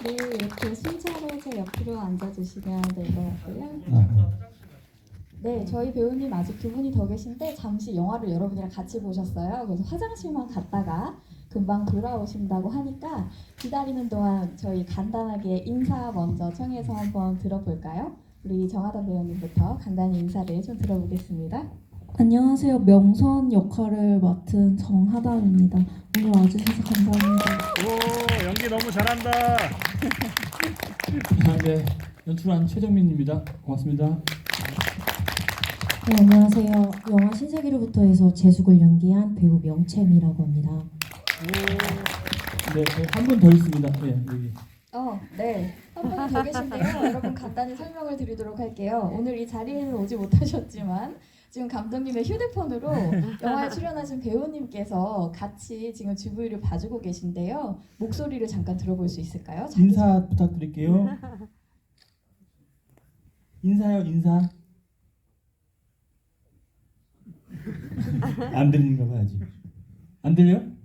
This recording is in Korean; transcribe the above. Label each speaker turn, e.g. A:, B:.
A: 네, 이렇게 순차로 제 옆으로 앉아주시면 될 것 같고요. 네, 저희 배우님 아직 두 분이 더 계신데 잠시 영화를 여러분이랑 같이 보셨어요. 그래서 화장실만 갔다가 금방 돌아오신다고 하니까 기다리는 동안 저희 간단하게 인사 먼저 청해서 한번 들어볼까요? 우리 정하던 배우님부터 간단히 인사를 좀 들어보겠습니다.
B: 안녕하세요. 명선 역할을 맡은 정하담입니다. 오늘 와주셔서 감사합니다.
C: 오, 연기 너무 잘한다.
D: 네, 연출한 최정민입니다. 고맙습니다.
B: 네, 안녕하세요. 영화 신세계로부터 해서 재숙을 연기한 배우 명채미라고 합니다.
D: 네, 한 분 더 있습니다. 네, 여기.
A: 네. 한 분이 더 계신데요. 여러분 간단히 설명을 드리도록 할게요. 오늘 이 자리에는 오지 못하셨지만 지금 감독님의 휴대폰으로 영화에 출연하신 배우님께서 같이 지금 GV를 봐주고 계신데요. 목소리를 잠깐 들어볼 수 있을까요?
D: 인사 부탁드릴게요. 인사요, 인사. 안 들리는가 봐 아직. 안 들려?